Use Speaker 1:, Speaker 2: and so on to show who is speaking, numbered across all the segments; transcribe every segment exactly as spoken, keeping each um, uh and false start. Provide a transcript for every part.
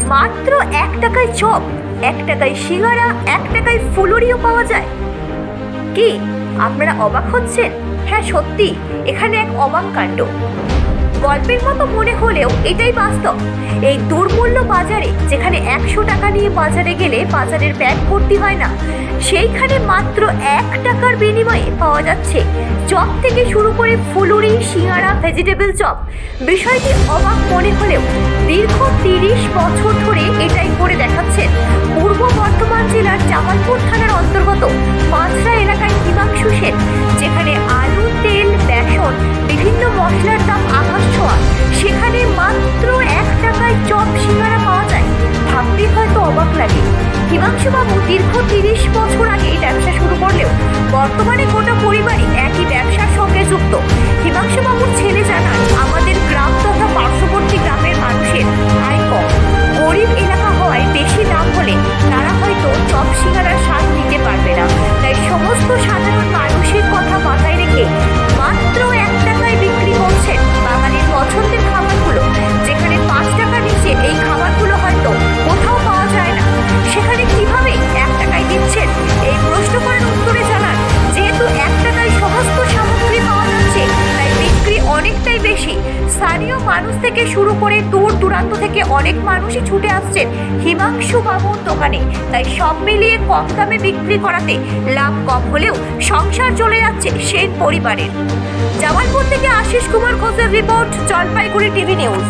Speaker 1: মাত্র এক টাকায় চপ, এক টাকায় সিঙ্গারা, এক টাকায় ফুলুরিও পাওয়া যায়। কি আপনারা অবাক হচ্ছেন? হ্যাঁ সত্যি, এখানে এক অবাক কাণ্ড। গল্পের মতো মনে হলেও এটাই বাস্তব। এই দুর্মূল্য বাজারে, যেখানে একশো টাকা নিয়ে বাজারে গেলে বাজারের ব্যাগ ভর্তি হয় না, সেইখানে মাত্র এক টাকার বিনিময়ে পাওয়া যাচ্ছে চপ থেকে শুরু করে ফুলুরি, সিঙ্গারা, ভেজিটেবল চপ। বিষয়টি অবাক মনে হলেও দীর্ঘ তিরিশ বছর ধরে এটাই করে দেখাচ্ছেন পূর্ব বর্ধমান জেলার জামালপুর থানার অন্তর্গত মাছরা এলাকায় হিমাংশু সেন, যেখানে আলু, তেল, বেসন, বিভিন্ন মশলার দাম আকাশ ছোঁয়া, সেখানে মাত্র এক টাকায় চপ, সিঙ্গারা পাওয়া যায়। ভাবতে হয়তো অবাক লাগে। হিমাংশু বাবু দীর্ঘ তিরিশ বছর আগে ব্যবসা শুরু করলেও বর্তমানে গোটা পরিবারই একই ব্যবসার সঙ্গে যুক্ত। হিমাংশু বাবুর ছেলে জানান, আমাদের গ্রাম তথা পার্শ্ববর্তী গ্রামের মানুষের আয় কম, গরিব এলাকা হওয়ায় বেশি দাম হলে তারা হয়তো চপ, সিঙ্গারার স্বাদ নিতে পারবে না। তাই সমস্ত সাধারণ মানুষের কথা মাথায় রেখে মাত্র এক টাকায় বিক্রি করছেন বাঙালির পছন্দের খাবারগুলো। যেখানে পাঁচ টাকা নিচে এই খাবারগুলো হয়তো কোথাও পাওয়া যায় না, সেখানে কিভাবে এক টাকায় দিচ্ছেন এই প্রশ্ন করার উত্তরে জানান, যেহেতু এক টাকায় সমস্ত সামগ্রী পাওয়া যাচ্ছে তাই বিক্রি অনেকটাই বেশি। স্থানীয় মানুষ থেকে শুরু করে দূর দূরান্ত থেকে অনেক মানুষই ছুটে আসছেন হিমাংশু বাবুর দোকানে। তাই সব মিলিয়ে কম দামে বিক্রি করাতে লাভ কম হলেও সংসার চলে যাচ্ছে সেন পরিবারের। জামালপুর থেকে আশিস কুমার ঘোষের রিপোর্ট, জলপাইগুড়ি টিভি নিউজ।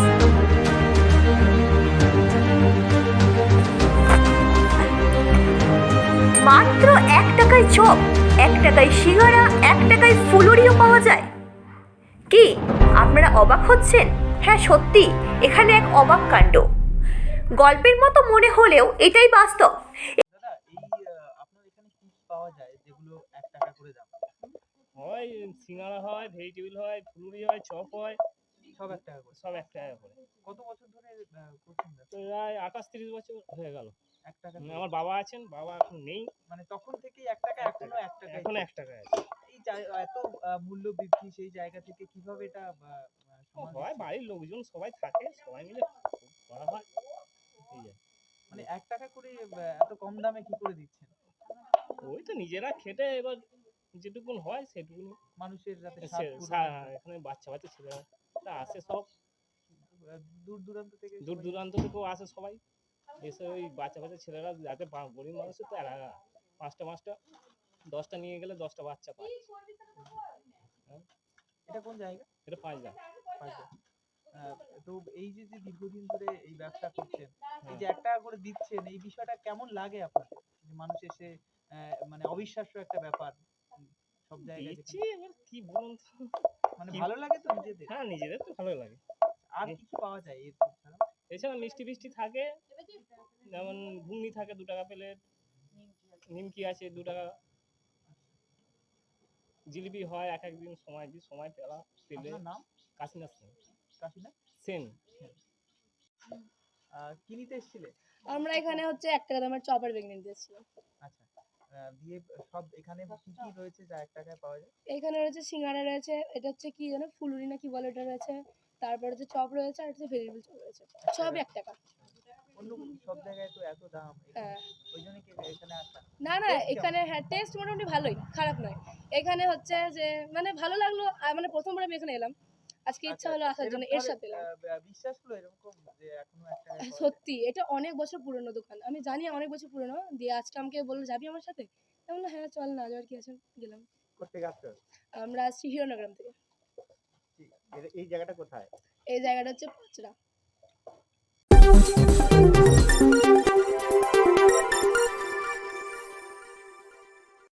Speaker 1: মাত্র এক টাকায় চপ, এক টাকায় সিঙ্গারা, এক টাকায় ফুলুরিও পাওয়া যায়। কি আপনারা অবাক হচ্ছেন? হ্যাঁ সত্যি, এখানে এক অবাক কাণ্ড। গল্পের মতো মনে হলেও এটাই বাস্তব।
Speaker 2: দাদা, এই আপনার এখানে কি পাওয়া যায় যেগুলো এক টাকা করে দাম?
Speaker 3: হয় সিঙ্গারা হয়, ভেজিটেবল হয়, ফুলুরি হয়, চপ হয়,
Speaker 2: সব এক টাকা করে?
Speaker 3: সব এক টাকা করে।
Speaker 2: কত বছর ধরে আহ, করছেন ব্যবসা?
Speaker 3: প্রায় আঠাশ তিরিশ বছর হয়ে গেল।
Speaker 2: এক টাকা
Speaker 3: উম,
Speaker 2: করে?
Speaker 3: আমার বাবা আছেন, বাবা এখন নেই।
Speaker 2: মানে তখন থেকেই এক টাকা, এখনো এক টাকা?
Speaker 3: এখন এক টাকা আছে।
Speaker 2: এই জায়- এত আহ, মূল্য বৃদ্ধি, সেই জায়গা থেকে কিভাবে এটা আহ, আহ, সামাল
Speaker 3: হয়
Speaker 2: দিচ্ছেন?
Speaker 3: বাড়ির লোকজন সবাই থাকে, সবাই মিলে করা হয়। এই আর।
Speaker 2: মানে এক টাকা করে আহ, এত কম দামে কি করে দিচ্ছেন?
Speaker 3: ওই তো নিজেরা খেটে এবার যেটুকুন হয় সেটুকুন।
Speaker 2: মানুষের যাতে স্বাদ
Speaker 3: সে-
Speaker 2: পূরণ
Speaker 3: সা-
Speaker 2: হয়।
Speaker 3: এখানে বাচ্চা বাচ্চা ছেলেরা তা আসে, সব
Speaker 2: আহ, দূর দূরান্ত থেকে
Speaker 3: দূর
Speaker 2: সবাই-
Speaker 3: দূরান্ত থেকেও আসে সবাই। এসে ওই বাচ্চা বাচ্চা ছেলেরা যাতে বা- গরিব মানুষের তো এরা পাঁচটা পাঁচটা দশটা নিয়ে গেলে দশটা বাচ্চা পায়। হ্যাঁ,
Speaker 2: এটা কোন জায়গা?
Speaker 3: এটা পাঁচ লাখ।
Speaker 2: পাঁচটা। আহ, তো এই যে যে দীর্ঘদিন ধরে এই ব্যবসা করছেন, এই যে
Speaker 3: হ্যাঁ।
Speaker 2: এক টাকা করে দিচ্ছেন, এই বিষয়টা কেমন লাগে আপনার? যে মানুষ এসে আহ, মানে অবিশ্বাস্য একটা ব্যাপার, উম, সব জায়গায়
Speaker 3: দিচ্ছি,
Speaker 2: যেখানে-
Speaker 3: এবার কি বলুন তো।
Speaker 2: মানে
Speaker 3: কি-
Speaker 2: ভালো লাগে তো নিজেদের?
Speaker 3: হ্যাঁ, নিজেদের তো ভালো লাগে।
Speaker 2: আর কি কি পাওয়া যায় এর ছাড়া?
Speaker 3: এছাড়া মিষ্টি ফিষ্টি থাকে, যেমন ঘুগনি থাকে দু টাকা প্লেট, নিমকি আছে দু টাকা, জিলিপি হয় এক একদিন, সময় দিই সময় পেলা পেলে।
Speaker 2: আপনার নাম?
Speaker 3: কাশিনাথ সেন।
Speaker 2: কাশিনা
Speaker 3: সেন।
Speaker 2: আহ, কি নিতে এসেছিলে?
Speaker 4: আমরা এখানে হচ্ছে এক টাকা দামের চপ আর বেগুনি নিতে এসেছিলাম।
Speaker 2: আচ্ছা, আহ, দিয়ে সব এখানে কি কি রয়েছে যা এক টাকায় পাওয়া যায়?
Speaker 4: এখানে রয়েছে সিঙ্গারা রয়েছে, এটা হচ্ছে কি জানো ফুলুরি না কি বলে ওটা রয়েছে, তারপর হচ্ছে চপ রয়েছে, আর হচ্ছে ভেজিটেবল চপ রয়েছে, সব এক টাকা।
Speaker 2: অন্য সব জায়গায় তো এত দাম, এখানে-
Speaker 4: হ্যাঁ।
Speaker 2: ওই জন্য কি এখানে আসা?
Speaker 4: না না
Speaker 2: Taste কেমন?
Speaker 4: এখানে হ্যাঁ টেস্ট মোটামুটি ভালোই, খারাপ নয়। এখানে হচ্ছে যে মানে ভালো লাগলো, আর মানে প্রথমবার আমি এখানে এলাম, আজকে ইচ্ছা হলো
Speaker 2: আচ্ছা,
Speaker 4: আসার জন্য,
Speaker 2: এরকম
Speaker 4: এর সাথে
Speaker 2: ভাবে,
Speaker 4: এলাম।
Speaker 2: আহ, বিশ্বাস হলো এরকম যে এখনো এক টাকায় পাওয়া যায়?
Speaker 4: সত্যি এটা অনেক বছর পুরনো দোকান, আমি জানি অনেক বছর পুরনো। দিয়ে আজকে আমাকে বললো যাবি আমার সাথে, আমি বললাম হ্যাঁ চল, না যাওয়ার কি আছে, গেলাম।
Speaker 5: কোথেকে আসছো?
Speaker 4: আমরা আসছি হিরণগ্রাম থেকে।
Speaker 5: এই- এই জায়গাটা কোথায়?
Speaker 4: এই জায়গাটা হচ্ছে পাঁচরা।